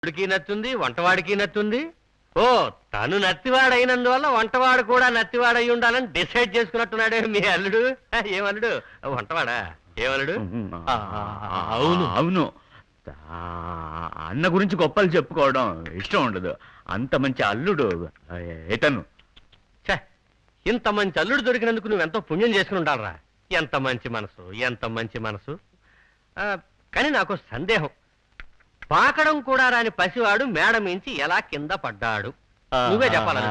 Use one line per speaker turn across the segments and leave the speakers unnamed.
వాడికి నచ్చుంది, వంటవాడికి నచ్చుంది. ఓ తను నత్తివాడైనందువల్ల వంటవాడు కూడా నత్తివాడై ఉండాలని డిసైడ్ చేసుకున్నట్టున్నాడే మీ అల్లుడు. ఏమల్లుడు? వంటవాడా? ఏమల్లుడు?
అవును అవును. అన్న గురించి గొప్పలు చెప్పుకోవడం ఇష్టం ఉండదు. అంత మంచి అల్లుడు ఏతను.
ఇంత మంచి అల్లుడు దొరికినందుకు నువ్వెంతో పుణ్యం చేసుకుని ఉండాలరా. ఎంత మంచి మనసు, ఎంత మంచి మనసు. కానీ నాకు సందేహం, పాకడం కూడా రాని పసివాడు మేడ మించి ఎలా కింద పడ్డాడు? నువ్వే చెప్పాలి.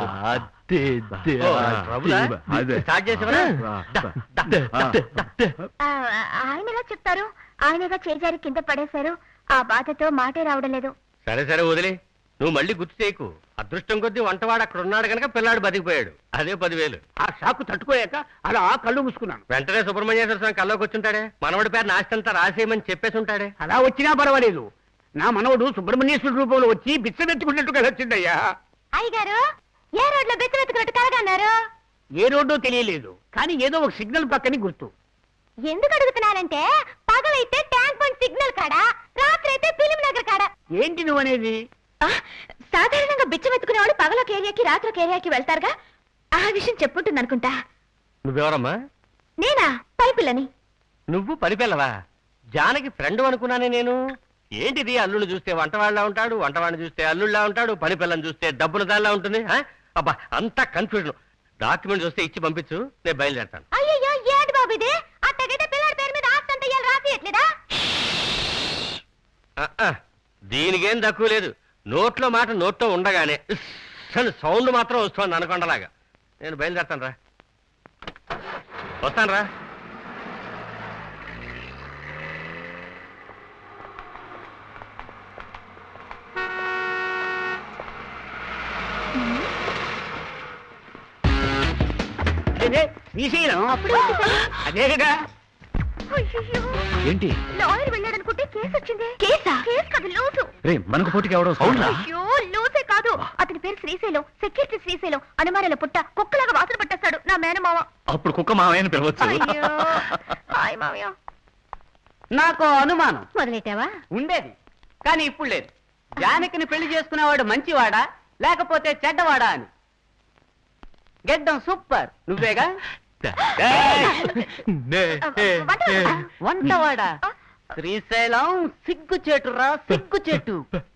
స్టార్ట్ చేసేవరా?
ఆయన ఎలా చెప్తారు? ఆయనగా చేజారి కింద పడేశారు. ఆ బాధతో మాటే రావడం లేదు.
సరే సరే వదిలే, నువ్వు మళ్ళీ గుర్తు చేయకు. అదృష్టం కొద్దీ వంటవాడు అక్కడ ఉన్నాడు కనుక పిల్లాడు బతికిపోయాడు. అదే 10,000.
ఆ షాకు తట్టుకోలేక అలా కళ్ళు మూసుకున్నాను.
వెంటనే సుబ్రహ్మణ్యేశ్వర స్వామి కల్లోకి వచ్చుంటాడే. మనవడి పేరు నాస్తంతా రాసేయమని చెప్పేసి ఉంటాడే.
అలా వచ్చినా పర్వాలేదు. నా మనవడు సుబ్రహ్మణ్యేశ్వర రూపంలో వచ్చి బిచ్చమెత్తుకున్నట్టుగా వచ్చిందయ్యా.
అయ్యగారు, ఏ రోడ్లో బెత్తమెత్తుకున్నట్టు కలగన్నారు?
ఏ రోడ్డో తెలియలేదు, కానీ ఏదో ఒక సిగ్నల్ పక్కని గుర్తు.
ఎందుకు అడుగుతున్నానంటే, పగలైతే ట్యాంక్ బండ్ సిగ్నల్ కాడా, రాత్రి అయితే ఫిలిం నగర్ కాడా.
ఏంటి నువ్వు అనేది?
సాధారణంగా బిచ్చమెత్తుకునే వాళ్ళు పగలొక ఏరియాకి రాత్రి ఒక ఏరియాకి వెళ్తారుగా. ఆ విషయం చెప్పుంటుంది అనుకుంటా.
నువ్వెవరమ్మా?
నేనా? పైపిల్లని.
నువ్వు పనిపిల్లవా? జానకి ఫ్రెండ్ అనుకున్నానే నేను. ఏంటిది? అల్లుడు చూస్తే వంటవాళ్ళ ఉంటాడు, వంటవాడిని చూస్తే అల్లుళ్ళ ఉంటాడు, పని పిల్లని చూస్తే డబ్బుల దానిలా ఉంటుంది. అబ్బా అంతా కన్ఫ్యూజన్. డాక్యుమెంట్ చూస్తే ఇచ్చి పంపించు, నేను బయలుదేరతాను.
అయ్యో ఏంటి బాబు ఇది? అట్టగైతే పిల్లడి పేరు మీద ఆస్తి అంతా ఇయ్యాలి రాసియట్లేదా?
దీనికేం తక్కువ లేదు. నోట్లో మాట నోట్లో ఉండగానే సౌండ్ మాత్రం వస్తుంది అనకొండలాగా. నేను బయలుదేరతాను రా. వస్తాను రా.
శ్రీశైలం అదే కదా.
ఏంటి?
లాయర్ వెళ్ళాడనుకుంటే కేసు వచ్చింది. కేసా? కేసు కాదు, లూసు.
రే మనకు పోటీకి ఎవడో
అయ్యో లూసే కాదు, అతని పేరు శ్రీశైలం. సెక్యూరిటీ శ్రీశైలం. అనుమానాల పుట్ట కుక్కలాగా వాసన పట్టేస్తాడు నా మేనమావ.
అప్పుడు కుక్క మావయ్యని పిలవచ్చు.
అయ్యో హాయ్ మావయ్య.
నాకు అనుమానం
మొదలెట్టావా?
ఉండేది, కానీ ఇప్పుడు లేదు. జానకిని పెళ్లి చేసుకునేవాడు మంచివాడా లేకపోతే చెడ్డవాడా అని. గెడ్డం సూపర్, నువ్వేగా? వంటవాడా? శ్రీశైలం సిగ్గుచేటురా, సిగ్గుచేటు.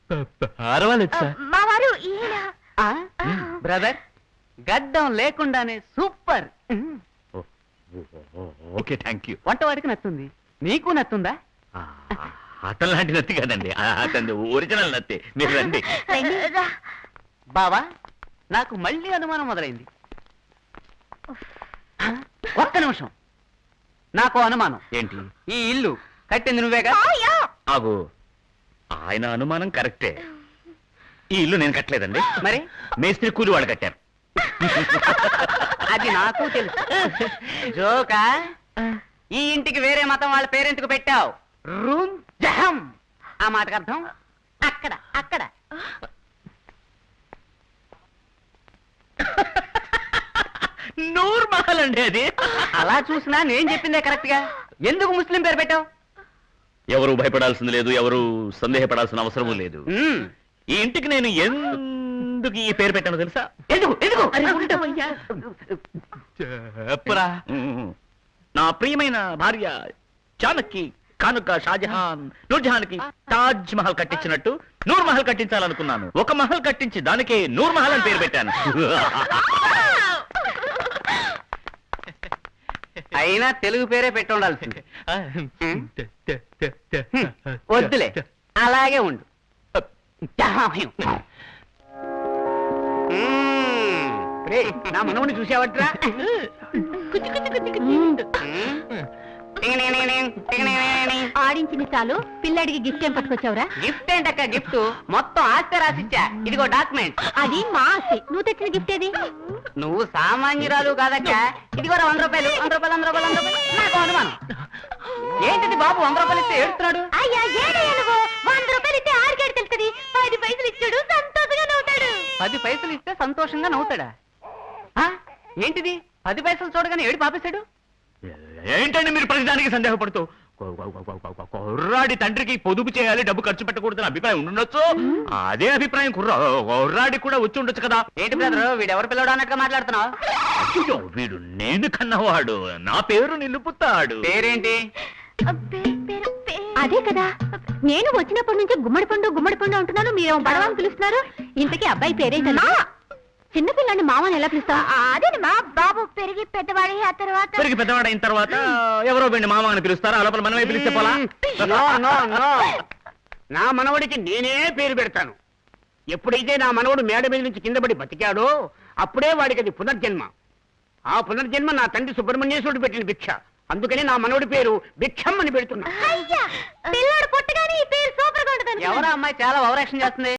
మా వారు ఈయన.
బ్రదర్, గడ్డం లేకుండానే సూపర్.
Okay thank you.
వంటవాడికి నచ్చుంది, నీకు నచ్చుందా?
అతను లాంటి నత్తి కాదండి, అతని ఒరిజినల్ నత్తి. మీరు రండి.
బావా, నాకు మళ్ళీ అనుమానం మొదలైంది. ఒక్క నిమిషం, నాకు అనుమానం.
ఏంటి?
ఈ ఇల్లు కట్టింది నువ్వేగా?
ఆగు, ఆయన అనుమానం కరెక్టే. ఈ ఇల్లు నేను కట్టలేదండి.
మరి
మేస్త్రి కూలి వాళ్ళు కట్టారు.
అది నాకు తెలుసు. జోకా? ఈ ఇంటికి వేరే మతం వాళ్ళ పేరెంట్కు పెట్టావు. రూమ్ జహం. ఆ మాటకు అర్థం అక్కడ అక్కడ.
నూర్ మహల్ అండి అది.
అలా చూసినా నేను చెప్పిందే కరెక్ట్ గా. ఎందుకు ముస్లిం పేరు పెట్టావు?
ఎవరు భయపడాల్సింది లేదు, ఎవరు సందేహపడాల్సిన అవసరం లేదు. ఈ ఇంటికి నేను ఎందుకు ఈ పేరు పెట్టానో తెలుసా?
ఎందుకు ఎందుకు?
చెప్పరా. నా ప్రియమైన భార్య జానకి కానుక షాజహాన్ నూర్జహాన్ కి తాజ్ మహల్ కట్టించినట్టు నూర్ మహల్ కట్టించాలనుకున్నాను. ఒక మహల్ కట్టించి దానికే నూర్ మహల్ అని పేరు పెట్టాను.
అయినా తెలుగు పేరే పెట్టి ఉండాల్సింది. వద్దులే, అలాగే ఉండు. నా మనవుని చూసావట్రా?
ఆడించింది చాలు, పిల్లడికి గిఫ్ట్ ఏం పట్టుకొచ్చావురా?
గిఫ్ట్ ఏంటక్క? గిఫ్ట్ మొత్తం ఆస్తి రాసిచ్చా. ఇదిగో డాక్యుమెంట్.
అది మా ఆస్తి. నువ్వు తెచ్చిన గిఫ్ట్ ఏది?
నువ్వు సామాన్యురాలు కాదక్క. ఇదిగో 100 రూపాయలు. 100 రూపాయలు, 100 రూపాయలు, 100 రూపాయలు. నాకు అనుమానం. ఏంటిది బాబు 100 రూపాయలు ఇస్తే ఏడుస్తున్నాడు?
అయ్యా ఏడయ్యా నువ్వు. 100 రూపాయలు ఇస్తే ఆరికేడు తెలుస్తుంది. 10 పైసలు ఇచ్చాడు, సంతోషంగా నవ్వుతాడు.
10 పైసలు ఇస్తే సంతోషంగా నవ్వుతాడా? ఏంటిది 10 పైసలు చూడగానే ఏడు పాపేశాడు?
ఏంటండి మీరు ప్రతిదానికి సందేహపడుతూ? కుర్రాడి తండ్రికి పొదుపు చేయాలి, డబ్బు ఖర్చు పెట్టకూడదని అభిప్రాయం ఉండొచ్చు. అదే అభిప్రాయం కుర్రాడి కూడా వచ్చి ఉండొచ్చు కదా.
ఏంటి బ్రదర్ వీడెవరు పిల్లడు అన్నట్టుగా మాట్లాడుతున్నావు?
అయ్యో, వీడు నేను కన్నవాడు, నా పేరు నిలుపుతాడు.
పేరేంటి?
అదే కదా, నేను వచ్చినప్పటి నుంచి గుమ్మడి పండు అంటున్నాను, మీరేమో బడవని పిలుస్తున్నారు. ఇంతకీ అబ్బాయి పేరేంటన్నా? చిన్నపిల్లని మామని ఎలా పిలుస్తా? అదే మా బాబు పెరిగి పెద్దవాడి ఆ తర్వాత
పెరిగి పెద్దవాడైన తర్వాత ఎవరో వీడిని మామ అని పిలుస్తారా? ఆ లోపల మనమే పిలిస్తే పోలా?
నో నో నో, నా మనవడికి నేనే పేరు పెడతాను. ఎప్పుడైతే నా మనవడు మేడ మీద నుంచి కింద పడి బతికాడో అప్పుడే వాడికి అది పునర్జన్మ. ఆ పునర్జన్మ నా తండ్రి సుబ్రహ్మణ్యేశ్వరుడు పెట్టిన భిక్ష. అందుకని నా మనవడి పేరు భిక్షం అని పెడుతున్నా.
పిల్లాడు పుట్టగానే ఈ పేరు సూపర్ గా ఉంటుంది.
ఎవరా అమ్మాయి చాలా ఓవరాక్షన్ చేస్తుంది?